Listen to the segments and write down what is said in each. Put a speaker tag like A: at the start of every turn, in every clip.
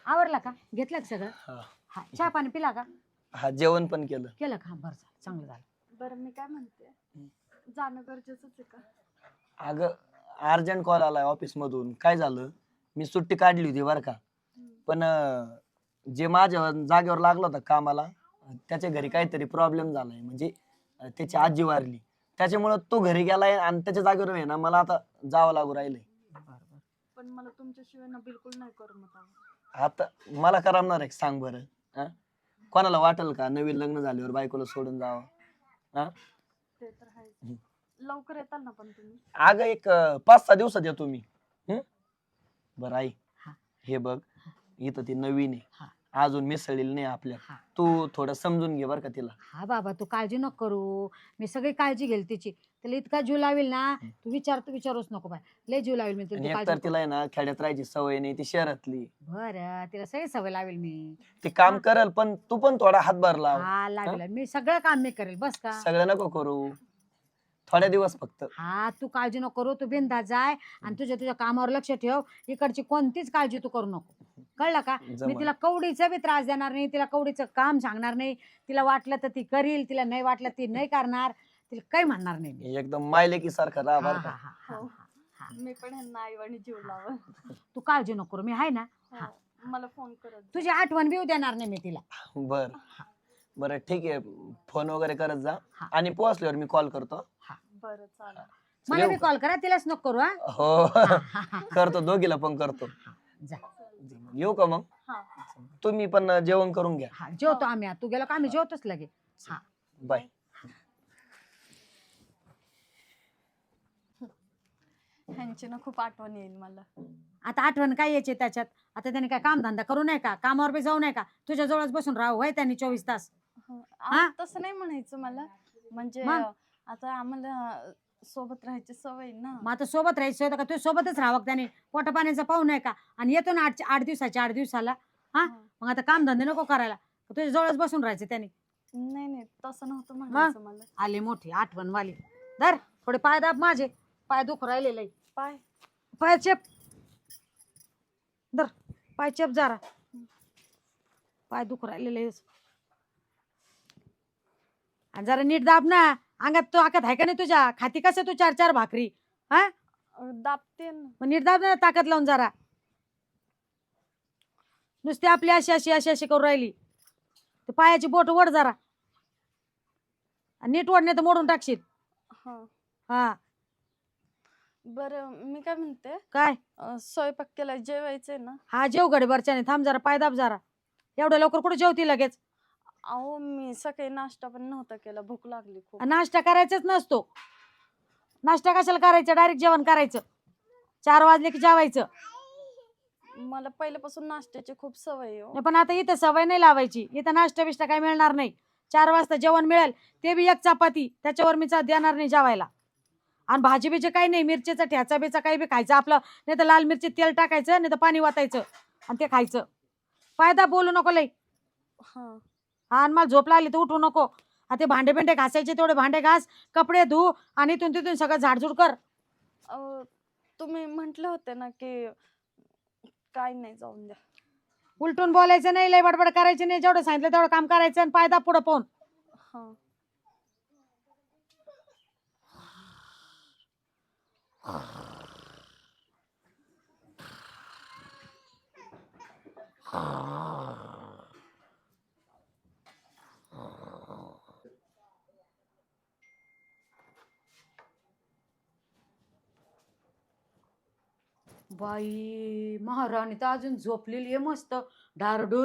A: आवरला का? घेतलं का सगळं? हा चहा पाणी पिला का?
B: हा जेवण पण केलं
A: केलं का? बरं झालं, चांगलं झालं.
C: बरं मी काय म्हणते, जाणं गरजेचंच आहे का?
B: अगं अर्जंट कॉल आलाय ऑफिस मधून. काय झालं, मी सुट्टी काढली होती बरं का, पण जे माझ्या जागेवर लागलं होतं कामाला त्याच्या घरी काहीतरी प्रॉब्लेम झालाय. म्हणजे त्याची आजी वारली, त्याच्यामुळे तो घरी गेलाय आणि त्याच्या जागेवर आहे ना मला आता जावं लागू राहिलंय.
C: पण मला तुमच्याशिवाय ना बिलकुल नाही करमत आहे.
B: आता मला करमणार आहे सांग बरं? हा? कोणाला वाटेल का नवीन लग्न झाल्यावर बायकोला सोडून जावं? हा?
C: ते तर आहे. लवकर येताल ना पण तुम्ही?
B: अगं एक 5-6 दिवसात येतो मी. बरं आई, हे बघ इथं ती नवीन आहे, अजून मिसळलेली नाही आपल्या. तू थोडं समजून घे बरं का तिला.
A: हा बाबा तू काळजी नको करू, मी सगळी काळजी घेईल तिची. त्याला इतका जीव लावेल ना, तू विचारूच नको बाय, लय जीव लावेल मी
B: आणि
A: तुला.
B: एकतर तिला आहे ना खेड्यात राहायची सवय नाही, ती शहरातली.
A: बरं तिला सगळी सवय लावेल मी.
B: ती काम करल पण तू पण थोडा हातभार लाव.
A: हा लागेल, मी सगळं काम मी करेल, बस का?
B: सगळं नको करू, थोड्या दिवस फक्त.
A: हा तू काळजी नको करू, तू बिनधास्त जाय आणि तुझ्या कामावर लक्ष ठेव. इकडची कोणतीच काळजी तू करू नको, कळलं का? मी तिला कवडीचा बी त्रास देणार नाही, तिला कवडीचं काम सांगणार नाही. तिला वाटलं तर ती करील, तिला नाही वाटलं ती नाही करणार, तिला काही म्हणणार नाही मी.
B: एकदम मायलेकी सारखं राहा बरं का.
C: हो. मी पण ह्यांना आईवानी जीव लावं.
A: तू काळजी नको करू, मी आहे ना.
C: मला फोन करत
A: तुझी आठवण बी देणार नाही मी तिला.
B: बर बरं ठीक आहे, फोन वगैरे करत जा आणि पोहोचल्यावर मी कॉल करतो.
C: बरं चालेल.
A: मला बी कॉल करा, तिलाच नको करू.
B: हो करतो, दोघीला पण करतो.
A: जा
B: येऊ का मग? तुम्ही पण जेवण करून घ्या.
A: हा जेवतो आम्ही, तू गेलो का आम्ही जेवतोच लगे. हा
B: बाय.
C: ह्यांची ना खूप आठवण येईल मला.
A: आता आठवण काय यायची त्याच्यात? आता त्याने काय काम धंदा करू नये का? कामावर बी जाऊ नये का? तुझ्या जवळच बसून राहू होय त्यांनी 24 तास?
C: तसं नाही म्हणायचं मला, म्हणजे आता आम्हाला सोबत राहायची सवय ना.
A: मग आता सोबत राहायचं का? तुझ्या सोबतच राहावं त्याने, पोटा पाण्याचा पाहू नये का? आणि येतो ना 8 दिवसाला. हा मग आता काम धंदे नको करायला, तुझ्या जवळच बसून राहायचं त्याने.
C: नाही नाही तसं नव्हतं म्हणायचं मला.
A: आले मोठी आठवण वाली. धर थोडे पाय दाब, माझे पाय दुख राहिलेले. पाय चेप धर, पाय चेप जरा, पाय दुख राहिलेले. आणि जरा नीट दाब ना, अंगात तो आकत आहे का नाही तुझ्या? खाती कसं तू 4-4 भाकरी? हा
C: दाबते ना.
A: मग नीट दाब ना, ताकद लावून जरा. नुसती आपली अशी करून राहिली. ते पायाची बोट ओढ जरा, नीट ओढ नाही तर मोडून टाकशील. हा
C: बरं मी काय म्हणते,
A: काय
C: स्वयंपाक केला, जेवायचंय ना?
A: हा जेव गडबडच्याने, थांब जरा, पाय दाब जरा. एवढ्या लवकर कुठे जेवती लगेच?
C: अहो मी सकाळी नाश्ता पण नव्हता केला, भूक लागली खूप.
A: नाश्ता करायचाच नसतो. नाश्ता कशाला करायचं, डायरेक्ट जेवण करायचं. 4 वाजले की जेवायचं.
C: मला पहिल्यापासून नाश्त्याची खूप सवय आहे.
A: पण आता इथं सवय नाही लावायची, इथं नाश्ता बिष्टा काही मिळणार नाही. 4 वाजता जेवण मिळेल, ते बी 1 चपाती, त्याच्यावर मी देणार नाही जेवायला. आणि भाजी बिजी काही नाही, मिरचीचा ठ्याचा बिचा काही बी खायचं आपलं, नाही तर लाल मिरची तेल टाकायचं, नाही तर पाणी वाटायचं आणि ते खायचं. फायदा बोलू नको लई. हा आणि मला झोप लागली तर उठू नको. ते भांडे बिंडे घासायचे तेवढे भांडे घास, कपडे धु आणि इथून तिथून सगळं झाडझूड कर.
C: तुम्ही म्हंटले होते ना की काय नाही, जाऊन द्या.
A: उलटून बोलायचं नाही, लय बडबड करायची नाही. जेवढं सांगितलं तेवढं काम करायचं आणि फायदा पुढं पाहून. बाई महाराणी तर अजून झोपलेली आहे मस्त ढारडूर.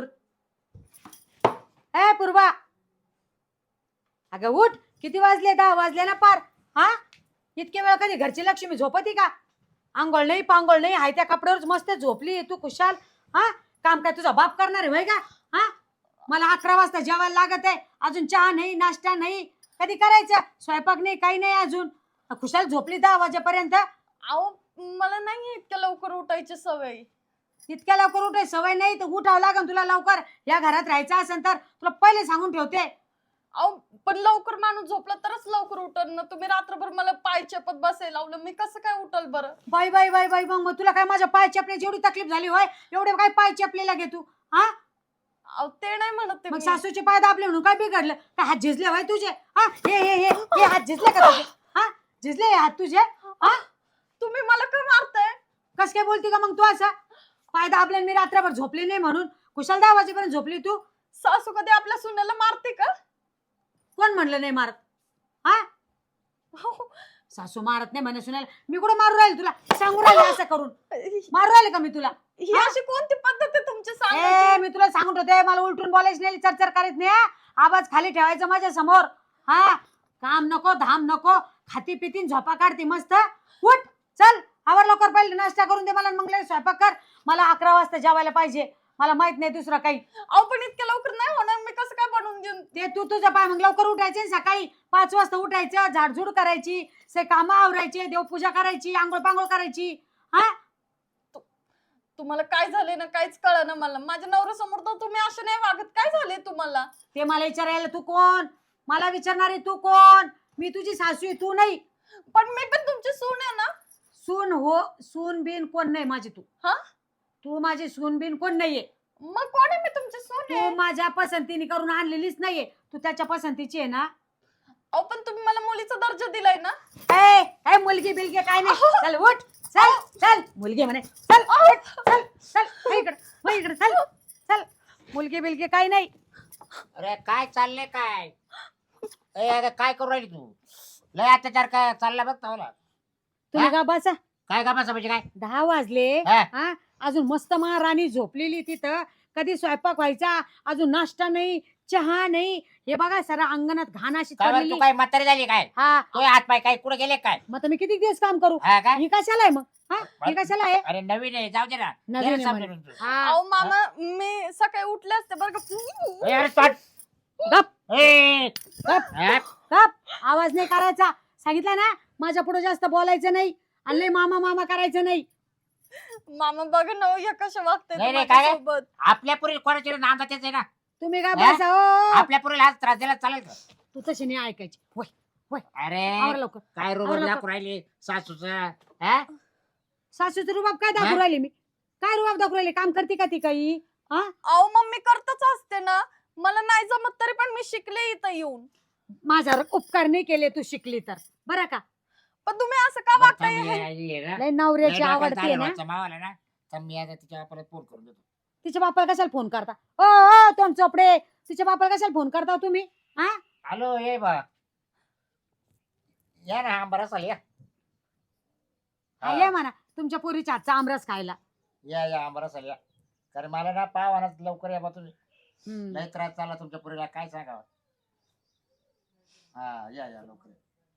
A: ए पूर्वा, अगं उठ, किती वाजले? 10 वाजले ना पार. हा इतके वेळ कधी घरची लक्ष्मी झोपती का? आंघोळ नाही पांघोळ नाही, हाय त्या कपड्यावरच मस्त झोपली तू खुशाल. हा काम काय तुझा बाप करणार आहे होय का? हा मला 11 वाजता जेवायला लागत आहे, अजून चहा नाही, नाश्ता नाही, कधी करायचं? स्वयंपाक नाही, काही नाही अजून, खुशाल झोपली 10 वाजेपर्यंत.
C: अहो मला नाही इतक्या लवकर उठायची सवय.
A: इतक्या लवकर उठायची सवय नाही तर उठावं लागेल तुला लवकर. या घरात राहायचं असेल तर तुला पहिले सांगून ठेवते.
C: अहो पण लवकर माणूस झोपला तरच लवकर उठल ना. तुम्ही रात्रभर मला पाय चेपत बसायला लावलं, मी कसं काय उठल बरं?
A: बाई बाई बाई बाई मग तुला काय माझ्या पाय चेपण्याची एवढी तकलीफ झाली होय? एवढे काय पाय चेपलेला घे तू? हा
C: अहो ते नाही म्हणत ते
A: मग
C: मी.
A: सासूचे पाय दाबले म्हणून काय बिघडलं? काय हात झिजले होय तुझे? हा हे हात झिजले का तुझे? हा झिजले हे हात तुझे? हा
C: तुम्ही मला का मारताय?
A: कस काय बोलती का मग तू असं? पाय दाबले आणि मी रात्रभर झोपले नाही म्हणून कुशाल 10 वाजेपर्यंत झोपली तू?
C: सासू कधी आपल्या सुनेला मारते का?
A: कोण म्हणलं नाही मारत? हा
C: अहो,
A: सासू मारत नाही म्हणे सुनायला. मी कुठं मारू राहील तुला? सांगू राहिले असं करून? मारू राहिले का मी तुला?
C: ही अशी कोणती पद्धत आहे तुमची
A: ए
C: सांगायची?
A: मी तुला सांगत होते मला उलटून बोलायच नाही, चरचर करीत नाही हा? आवाज खाली ठेवायचा माझ्या समोर. हा काम नको धाम नको, खाती पितीन झोपा काढते मस्त. उठ चल आवर लवकर, पहिले नाश्ता करून दे मला, मग लगेच स्वयंपाक कर. मला 11 वाजता जेवायला पाहिजे, मला माहित नाही दुसरं काही.
C: अहो पण इतक्या लवकर नाही होणार, मी कसं काय बनवून देऊन?
A: ते तू तुझं पाय मग लवकर उठायचे, सकाळी 5 वाजता उठायचं, झाडझूड करायची, से कामं आवरायचे, देवपूजा करायची, आंघोळ पांघोळ करायची. हा
C: तुम्हाला काय झाले ना काहीच कळलं ना मला. माझ्या नवऱ्यासमोर तर तुम्ही असं नाही वागत. काय झाले तुम्हाला?
A: ते मला विचारायला तू कोण? मला विचारणारी तू कोण? मी तुझी सासू आहे, तू नाही.
C: पण मी पण तुमची सून आहे ना.
A: सून हो, सून बिन कोण नाही माझी तू.
C: हा?
A: तू माझी सून बिन कोण नाहीये.
C: मग कोण आहे? मी तुमची सून
A: तू
C: आहे.
A: माझ्या पसंतीने करून आणलेलीच नाहीये, तू त्याच्या पसंतीची आहे ना.
C: अहो पण तुम्ही मला मुलीचा दर्जा दिलाय ना.
A: ए ए मुलगी बिलगी काय नाही. चल उठ, चल चल मुलगी म्हणे, चल उठ, चल चल वळ इकडे चल चल. मुलगी बिलगी काय नाही.
D: अरे काय चाललंय काय? ए अगं काय करू राहिली तू? लय अत्याचार काय चालला बघ तवला.
A: तुम्ही
D: हा?
A: का बसा.
D: काय कामाचं म्हणजे काय?
A: 10 वाजले.
D: हा?
A: हा अजून मस्त महाराणी झोपलेली तिथं. कधी स्वयंपाक व्हायचा, अजून नाश्ता नाही, चहा नाही. हे बघा सारा अंगणात घाण अशी
D: काय बरं,
A: पडलेली.
D: तू काय म्हातारी झाली काय?
A: हा
D: तो हात पाय काय कुठे गेले काय?
A: मग आता मी किती दिवस काम करू?
D: हा काय?
A: ही कशाला आहे मग? हा ही कशाला आहे?
D: अरे नवीन आहे, जाऊ दे ना.
A: नवीन
D: घे
A: आहे
D: ना समजून
A: म्हणे.
D: तू.
A: हा
C: अहो मामा मी सकाळी उठले असते बरं
D: ए,
C: का.
D: अरे तोंड.
A: गप
D: ए,
A: गप
D: हा?
A: गप. आवाज नाही करायचा, सांगितलं ना. माझ्या पुढे जास्त बोलायचं नाही आणि लय मामा मामा करायचं नाही.
C: मामा बघा ना हो, या कशा वागताय
D: नाही, नाही, काय?
C: सोबत.
D: आपल्या पुरी कोणाच्या नांदा तेच आहे ना.
A: तुम्ही काय
D: हा?
A: बसा हो.
D: आपल्या पुरीला हात त्रास दिला चालेल का?
A: तू तशी नाही ऐकायची. वय आवर
D: अरे
A: लवकर.
D: काय रोग
A: आवरलं का?
D: दाखवू राहिली सासूचं? हा?
A: सासूचं रुबाब काय दाखवू
D: हा?
A: राहिली मी? काय रुबाब दाखवू राहिली? काम करते का ती काही? हा
C: अहो मग मी करतच असते ना. मला नाही जमत तरी पण मी शिकले इथं येऊन.
A: माझ्यावर उपकार नाही केले तू शिकली तर, बरं का?
C: पण तुम्ही असं का वागताय?
A: लय नवऱ्याची आवडते ना.
D: मावाला ना तर मी आता तिच्या परत फोन करून देतो.
A: तिच्या बापाला कशाला फोन करता? ओ तोंड चोपडे, तिच्या बापाला कशाला फोन करता तुम्ही? हा
D: हॅलो ये बा या ना बरं चाल या.
A: हा, ये म्हणा तुमच्या पोरीच्या हातचा आमरस खायला.
D: या बरं चाल या. कारण मला ना पाव लवकर या बा तुम्ही.
A: हम्म.
D: लय त्रास चालला तुमच्या पुरीला काय सांगावं. हा या लवकर.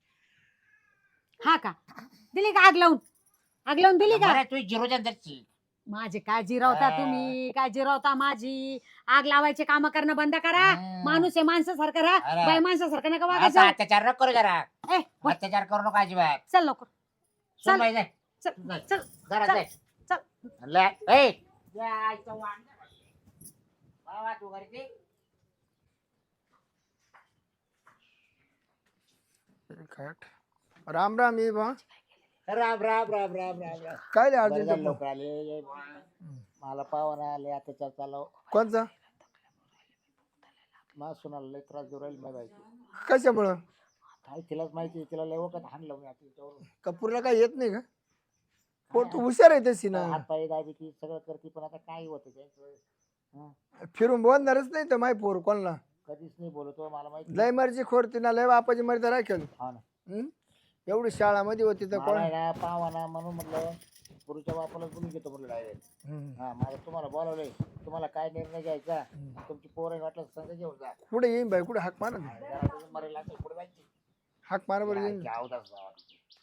A: हा का दिली का आग लावून? आग लावून दिली का?
D: बरं, तू जिरो जनरची.
A: माझी काय जिरवता
D: हा.
A: तुम्ही? काय जिरवता माझी? आग लावायचे काम करणं बंद करा. माणूस आहे माणसासारखं राहा,
D: अरे.
A: बाई माणसासारखं नका
D: असा
A: वागायचं.
D: अत्याचार नको करू जरा.
A: ए वय,
D: अत्याचार करू नको अजिबात.
A: चल लवकर
D: सुन
A: चल.
D: बाई, जाय.
A: चल
D: जाय.
A: चल
D: घरात
A: चल,
D: जाय.
A: चल.
D: ले, ए. या, इथं वांग. बाबा, तू घरी ते.
E: राम राम ये बा.
D: राम राम राम राम राम राम.
E: काय रे
D: बरं
E: अर्जंट
D: झालं लवकर आले. ये बा. मला पाहुणा आले अत्याचार चालव.
E: कोणचा?
D: मला सुनाला लय त्रास देऊ राहील माझ्या बायको.
E: कशामुळं?
D: काय तिलाच माहिती, तिला लय वखत हाणलं मी आता तिच्यावरून.
E: कपूरला काय येत नाही का? पोट हुशार आहे तशी ना.
D: हात पाय दाबी सगळं करते पण आता काय होतं त्याचं.
E: फिरून बोलणारच नाही तर माय पोर कोणला.
D: कधीच नाही बोलतो मला माहिती.
E: लय मर्जी खोरती ना, लय बापाची मर्जी राखेल.
D: हा ना.
E: एवढी शाळामध्ये होती तर कोण?
D: मला आहे ना पावाना म्हणून म्हटलं गुरुच्या बापाला बोलून घेतो म्हटलं डायरेक्ट. हा मला तुम्हाला बोलावलंय, तुम्हाला काय निर्णय घ्यायचा तुमची पोरं वाटलं संग घेऊन जा.
E: कुठे येईन बाई? कुठे हाक मार.
D: जरा मरेल लागेल पुढे जायची.
E: हाक मार बरं येईन.
D: अवदास बाबा.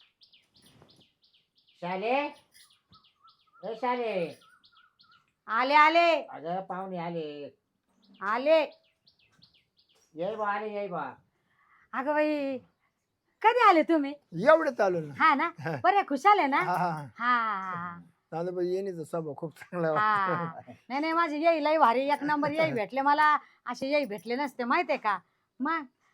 D: शाले ए शाले.
A: आले आले
D: अगं पाहुणे आले.
A: आले.
D: ये बा आले ये बा.
A: अगं बाई कधी आले तुम्ही?
E: एवढं चालू ना.
A: हा ना बरे खुशाल आहे ना.
E: हा हा
A: हा
E: चालू बाई येणीचा स्वभाव खूप चांगला आहे.
A: हा नाही माझे येई लई भारी एक नंबर येई भेटले मला. असे येई भेटले नसते माहितीये का? मग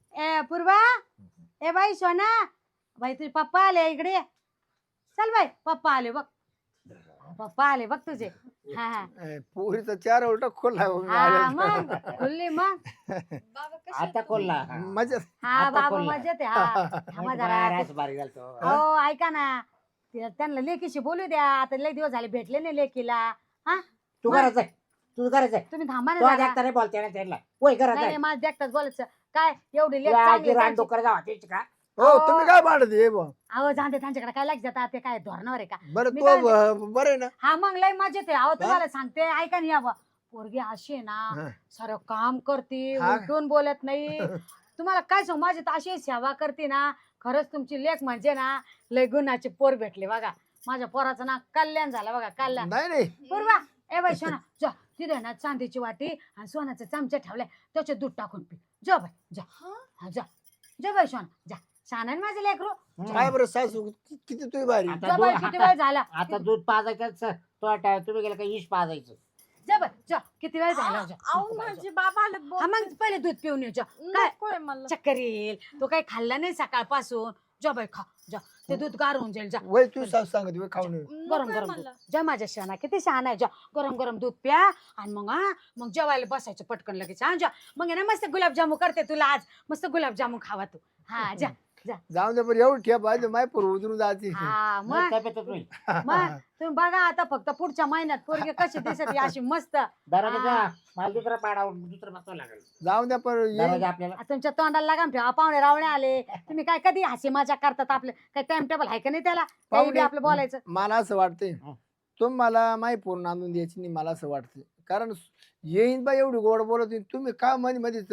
A: ए पूर्वा, ए बाई सोना, बाई तुझे पप्पा आले इकडे ये. चल बाई, पप्पा आले बघ, पप्पा आले बघ तुझे. हा हा
E: पोरीचा चार उलटा खोला
A: हा मग खुल्ली मग.
C: बाबा कसे
D: आता कोल्हा
E: मजा.
A: हा
D: आता
A: बाबा
D: बोलला.
A: मजेत आहे. हा थांबा जरा.
D: रास बारीक झालतो.
A: हो ऐका ना, त्यांना लेकीशी बोलू द्या. आता लय दिवस झाले भेटले नाही लेकीला. हा
D: तू घरात जाय, तू घरात जाय.
A: तुम्ही थांबा ना
D: तो
A: जरा.
D: देखता नाही बोलते ना त्यांना. होय घरात
A: नाही
D: जाय.
A: नाही, माझं देखताच बोलायचं काय एवढी लेक
D: तू
A: चांगली
D: आजी
A: त्यांची.
D: रानडुक्कर जावा तेच का?
E: हो तुम्ही काय भांडत ये बुवा?
A: अहो जाणते त्यांच्याकडे काय लाग जातात ते काय धोरणावर आहे का.
E: बरं
A: मी
E: तू
A: काय-
E: बरं आहे ना.
A: हा मग लय मजेत आहे. अहो तुम्हाला सांगते ऐका नाही यावं, पोरगी अशी आहे ना,
E: हा.
A: सारं काम करते,
E: हा.
A: उलटून बोलत नाही. तुम्हाला काय सांगू, माझी तर अशी सेवा करते ना, खरंच तुमची लेख म्हणजे ना लय गुणाचे पोर भेटले बघा. माझ्या पोराचं ना कल्याण झालं बघा, कल्याण.
E: नाही नाही
A: पूर्वा, ए बाई सोना जा, तिथे ना चांदीची वाटी आणि सोन्याचा चमचा ठेवलाय, त्याच्यात दूध टाकून पी. जा बाई जा. हा, जा जा बाई सोना जा. छान आहे ना माझं लेकरू.
E: काय बरं सासू किती तुझी भारी.
D: आता
A: जा बाई, किती वेळ झाला.
D: आता दूध पाजायचं तो तुम्ही गेला का इश पाजायचं.
A: जा बाई जा, किती वेळ झाला. जा.
C: आऊन माझे बाबा आले
A: हा मग पहिले दूध पिऊन ये जा. काय
C: नकोय मला.
A: चक्कर येईल, तो काही खाल्ला नाही सकाळपासून. जा बाई खा जा, ते दूध गार होऊन जाईल. जा
E: वय तू सासू सांगत वय खाऊन ये.
A: गरम
C: नकोय
A: गरम
C: मला.
A: दूध. जा माझ्या शहाणा, किती शहाणा आहे. जा गरम गरम दूध प्या आणि मग मग जेवायला बसायचं पटकन लगेच. हा जा, मग आहे ना मस्त गुलाबजामू करते तुला आज. मस्त गुलाबजामू खावा तू. हा जा.
E: जाऊन दे बरं एवढं ठेप पाहिजे माय पोर उतरून जाते.
A: हा मग
D: तब्येतच होईल.
A: मग तुम्ही बघा आता फक्त पुढच्या महिन्यात पोरगी कशी दिसत अशी मस्त.
D: दरवाजा
A: हा.
D: मला दुसरा पाडा दुसरं बसवावं लागेल.
E: जाऊन द्या पण
D: दरवाजा आपल्याला
A: आ, तुमच्या तोंडाला लागाम ठेवा. पाहुणे रावणे आले, तुम्ही काय कधी हसी मजा करतात. आपले काय टाइम टेबल आहे का नाही त्याला, काही बी
E: पाहुणे-
A: आपलं बोलायचं.
E: मला असं वाटतंय
D: हं.
E: तुम्ही मला माही पूर्ण आणून द्यायची नाही मला असं वाटतंय. कारण येईन बा एवढी गोड बोलत होती, तुम्ही का मध्ये मध्येच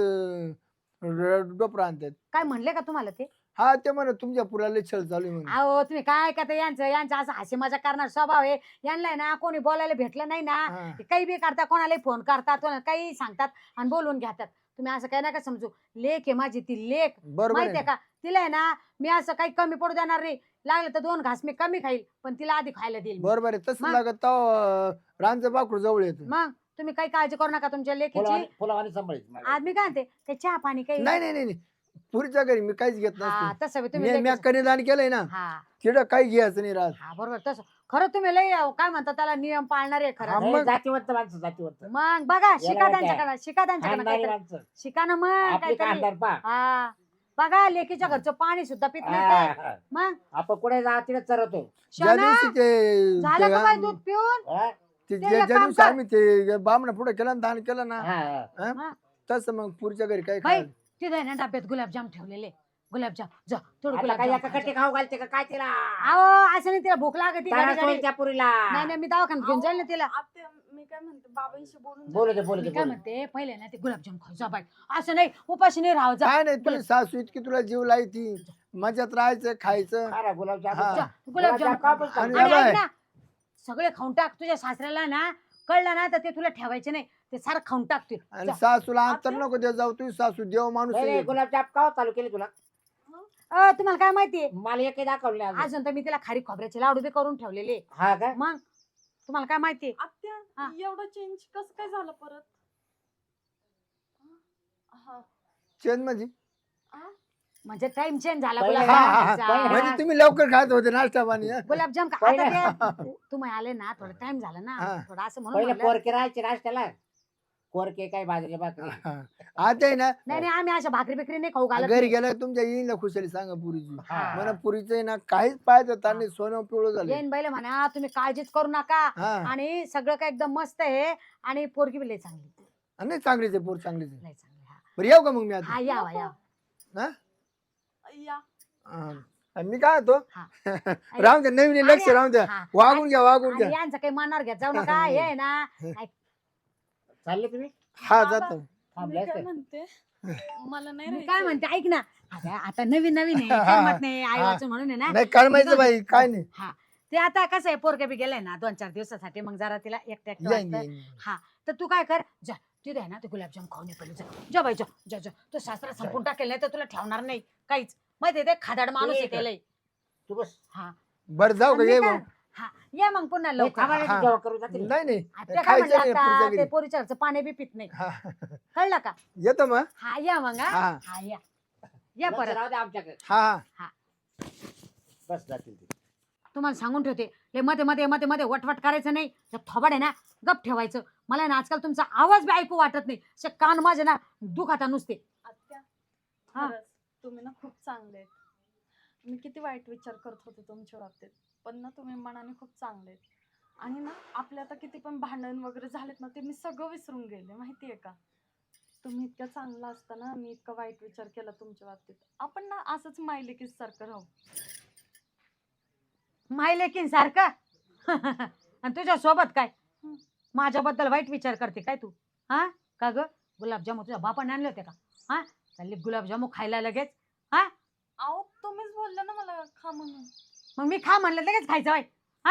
E: डोपर आणतात.
A: काय म्हणले का तुम्हाला ते.
E: हा ते म्हणा तुमच्या पुराला छळ चालू आहे म्हणून.
A: अहो तुम्ही काय का ते यांचं असं हसी मजा करणार स्वभाव आहे. यांना आहे ना कोणी बोलायला भेटलं नाही ना,
E: हा.
A: ते काही बी करतात, कोणाला फोन करतात, कोणाला काही सांगतात आणि बोलून घेतात. तुम्ही असं काही नका समजू. लेक आहे माझी ती लेक,
E: बरोबर
A: माहितीये
E: आहे.
A: का. तिला आहे ना मी असं काही कमी पडू देणार नाही. लागलं तर 2 घास मी कमी खाईल, पण तिला आधी खायला देईल मी.
E: बरोबर आहे तसं
A: मग?
E: लागत रानचं पाखरू जवळ येतं.
A: मग तुम्ही काही काळजी करू नका तुमच्या लेकीची.
D: फुलावानी सांभाळायचं मला.
A: आज मी काय म्हणते काही चहा पाणी काही.
E: नाही नाही नाही पुरीच्या घरी मी काहीच घेत
A: हा
E: नसतो.
A: तसं बी तुम्ही
E: मी
A: लेकीचं-
E: कन्यादान केलंय ना
A: हा
E: तिथं काही घ्यायचं नाही राहत.
A: हा बरोबर तसं. खरं तुम्ही लय काय म्हणतात त्याला नियम पाळणारे
E: हा,
A: खरं.
D: नाही,
E: मग-
D: जातीवंत माणसं जातीवंत.
A: मग बघा शिका
D: काय?
A: त्यांच्याकडे, शिका त्यांच्याकडे
D: खानदानी
A: काहीतरी.
D: माणसं.
A: शिका ना मग
D: आपली
A: काहीतरी.
D: खानदार पा.
A: हा बघा लेकीच्या घरचं पाणी सुद्धा पित नाही काय. मग
D: आपण कुठे जा तिथे चरवतो.
E: ज्या
A: शोना,
E: दिवशी ते
A: झालं का बाई दूध पिऊन.
D: हा?
E: ते
A: ते
E: ज्या
A: एक
E: ज्या
A: काम
E: दिवशी
A: कर.
E: आम्ही ते बामणा पुढे केलं ना दान केलं ना
D: हा, हा.
A: हा.
E: तसं मग पुरीच्या घरी काही
A: बाई
E: खायला.
A: तिथे आहे ना डब्यात गुलाबजाम ठेवलेले. गुलाबजाम जा थोडं
D: आता काय
A: गुलाबजाम
D: एका कट्टी खाऊ घालते का काय तिला?
A: अहो असं नाही, तिला भूक लागते
D: तारा
A: गाडी-
D: सोयील त्या पुरीला.
A: नाही नाही मी दवाखान्यात घेऊन जाईल ना तिला.
C: आत्या, मी काय म्हणते बाबांशी बोलून
D: बोलू
C: जा.
D: दे बोलू
A: मी
D: दे
A: काय
D: बोलू दे.
A: म्हणते पहिले ना ते गुलाबजाम खाऊ जा बाई. असं नाही उपाशी नाही राहू जा.
E: काय नाही तुला सासू इतकी तुला जीव लायती मजात राहायचं खायचं.
D: खा रा गुलाबजाम.
E: हा.
A: जा, गुलाबजाम
D: का बोलतो?
E: आणि
A: आणि
E: बाई.
A: ऐक ना, सगळे खाऊन टाक. तुझ्या सासऱ्याला ना कळलं ना तर ते तुला ठेवायचे नाही, ते सारं खाऊन टाकतील.
E: आणि सासूला अंतर नको दे जाऊ तुझी सासू देव माणूस
D: नाही, नाही,
E: आहे.
D: गुलाबजाम का चालू केली तुला?
A: तुम्हाला काय माहितीये,
D: मला एकही दाखवले अजून.
A: अजून तर मी तिला खारी खोबऱ्याचे लाडू बी करून ठेवलेले.
D: हा का?
A: मग तुम्हाला काय माहितीये.
C: आत्या,
A: हा.
C: एवढं चेंज कसं काय झालं परत? हा.
E: चेन म्हणजे
A: म्हणजे टाइम चेंज झाला.
D: पहिले-
A: गुलाबजाम
E: हा, हा, हा.
A: खायचा.
E: म्हणजे तुम्ही लवकर खात होते नाश्ता पाणी हं?
A: गुलाबजाम खा.
D: पहिले-
A: आता ते तुम्ही आले ना थोडा टाइम झाला ना,
E: हा.
A: थोडा असं म्हणून
D: पहिले
A: म्हणलं.
D: पोरके राहायचे नाश्त्याला. पोरके काय बाजरीला भाकरी.
E: हा. आता आहे ना
A: नाही नाही आम्ही अशा भाकरी बिकरी नाही खाऊ घालत.
E: घरी गेल्या तुमच्या येईन खुशाली सांगा पुरीची
D: हा.
E: मला पुरीचं आहे ना काहीच पाहायचं त्यांनी सोनं पिवळं झालं.
A: येईन बाईला म्हणा तुम्ही काळजीच करू नका
E: हा
A: आणि सगळं काय एकदम मस्त आहे आणि पोरगी बी लय चांगली.
E: नाही चांगलीच आहे पोर चांगलीच आहे.
A: लय चांगली. हा.
E: बरं येऊ का मग मी आता
A: हा या या.
E: हा?
C: या.
E: हा. मी काय होतो
A: हा.
E: राहून द्या नवीन लक्ष
A: आणि-
E: राहून द्या
A: हा.
E: वागून घ्या वागून
A: आणि
E: घ्या.
A: यांचं काही मनावर घेत जाऊ नका. हे आहे ना
D: चालले तुम्ही?
E: हा
C: बाबा,
E: जातो
D: थांबले
C: मी काय
D: असते.
C: म्हणते मला नाही
A: मी काय
C: राहायचं.
A: म्हणते ऐक ना, आता नवीन नवीन आहे करमत नाही आई वाचून म्हणून आहे ना.
E: नाही कळमायचं बाई काय नाही
A: हा ते आता कसं आहे पोरगे बी गेलाय ना 2-4 दिवसासाठी, मग जरा तिला एकट्या एकटं
E: येईन,
A: वाटतं.
E: येईन.
A: हा तर तू काय कर, जा तिथे आहे ना ते गुलाबजाम खाऊन ये पहिले. जा जा बाई जा जा जा. तो सासरा संपून टाकेल नाही तर तुला ठेवणार नाही काहीच. माहिती ते खादाड माणूस आहे
D: ठीक आहे.
A: त्याला.
D: तू बस.
A: हा
E: बरं जाऊ का
A: आणि
E: ये
A: मी
E: मग
A: काय- हा ये मग पुन्हा
D: नाही,
A: लवकर.
D: थांबा ना,
E: हा.
D: जेवण करू जातील.
E: नाही नाही
A: आता काय
E: खायचं
A: म्हणलं
E: नाही
A: आता
E: पुढच्या
A: ते
E: घरी.
A: पोरीच्या घरचं पाणी बी पित नाही.
E: हा.
A: कळलं का.
E: येतो मग
A: हा या मग. हा
E: हा.
A: हा या. या
D: लक्ष
A: परत
D: राहू दे आमच्याकडे.
E: हा हा
D: बस जातील ते.
A: तुम्हाला सांगून ठेवते हे मध्ये मध्ये मध्ये मध्ये वटवट करायचं नाही. त्या थोबाड आहे ना गप ठेवायचं. मला आहे ना आजकाल तुमचा आवाज बी ऐकू वाटत नाही. असे कान माझे ना दुखाता नुसते.
C: आत्या
A: हा.
C: खरंच तुम्ही ना खूप चांगले आहेत. मी किती वाईट विचार करत होते तुमच्या बाबतीत, पण ना तुम्ही मनाने खूप चांगले आहेत. आणि ना आपले आता किती पण भांडण वगैरे झालेत ना, ते मी सगळं विसरून गेले माहितीये का. तुम्ही इतकं चांगलं असताना मी इतका वाईट विचार केला तुमच्या बाबतीत. आपण ना असंच मायलेकीच सारखं राहू.
A: मायलेकीन सारखं आणि तुझ्या सोबत काय माझ्याबद्दल वाईट विचार करते काय तू? हा का ग? गुलाबजामू तुझ्या बापाने आणले होते का? हा चालली गुलाबजामू खायला लगेच. हा
C: अहो तुम्हीच बोलले ना मला खा म्हणून.
A: मग मी खा म्हणलं लगेच खायचं वाईट. हा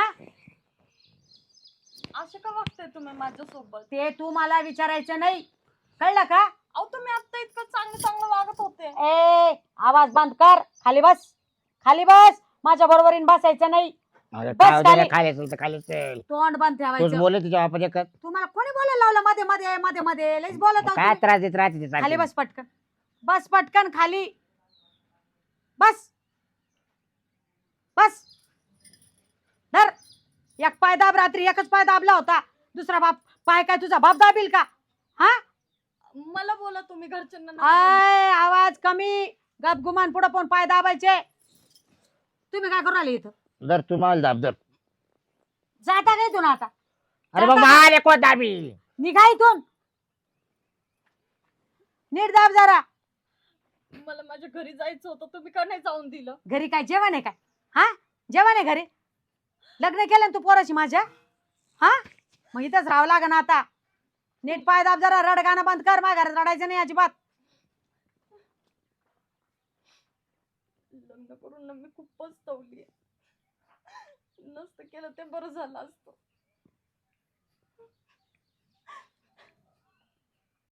C: असे का वागताय तुम्ही माझ्यासोबत?
A: ते तू मला विचारायचं नाही कळलं का?
C: अहो तुम्ही आता इतकं चांगलं चांगलं वागत होते.
A: ए आवाज बंद कर. खाली बस. खाली बस. माझ्या बरोबरीने बसायचं नाही.
D: अरे
A: बस
D: खाऊ दे रे,
A: खाली.
D: खाली असेल तर खाली चल.
A: तोंड बंद
D: तूच
A: ठेवायचं.
D: बोलले तुझ्या बापाने एकच.
A: तुम्हाला कोणी बोलायला लावलं मध्ये मध्ये मध्ये मध्ये लईच बोलत आहो
D: काय
A: तुम्ही.
D: त्रास देत राहते ते
A: खाली
D: सारखी.
A: बस पटकन. बस पटकन खाली. बस बस. धर. एक पाय दाब. रात्री एकच पाय दाबला होता. दुसरा पाय काय तुझा बाप दाबील का? हा
C: मला बोला तुम्ही घरच्यांना नका बोलू.
A: आय आवाज कमी. गप गुमान पुढे पण पाय दाबायचे. तुम्ही काय करू राहिले इथं?
D: जर तू मला दाब जर.
A: जाता काय इथून आता?
D: अरे बाबा आले कोण दाबी.
A: निघा इथून. नीट दाब जरा.
C: मला माझ्या घरी जायचं होतं, तुम्ही का नाही जाऊन दिलं?
A: घरी काय जेवण आहे काय? हा जेवण आहे घरी? लग्न केलं ना तू पोराची माझ्या? हा मग इथंच राहावं लागेल आता. नीट पाय दाब जरा. रड गाणं बंद कर. माझ्या घरात रडायचं नाही अजिबात.
C: लग्न करून ना मी खूप पस्तवली. नसतं केलं ते बरं झालं असतं.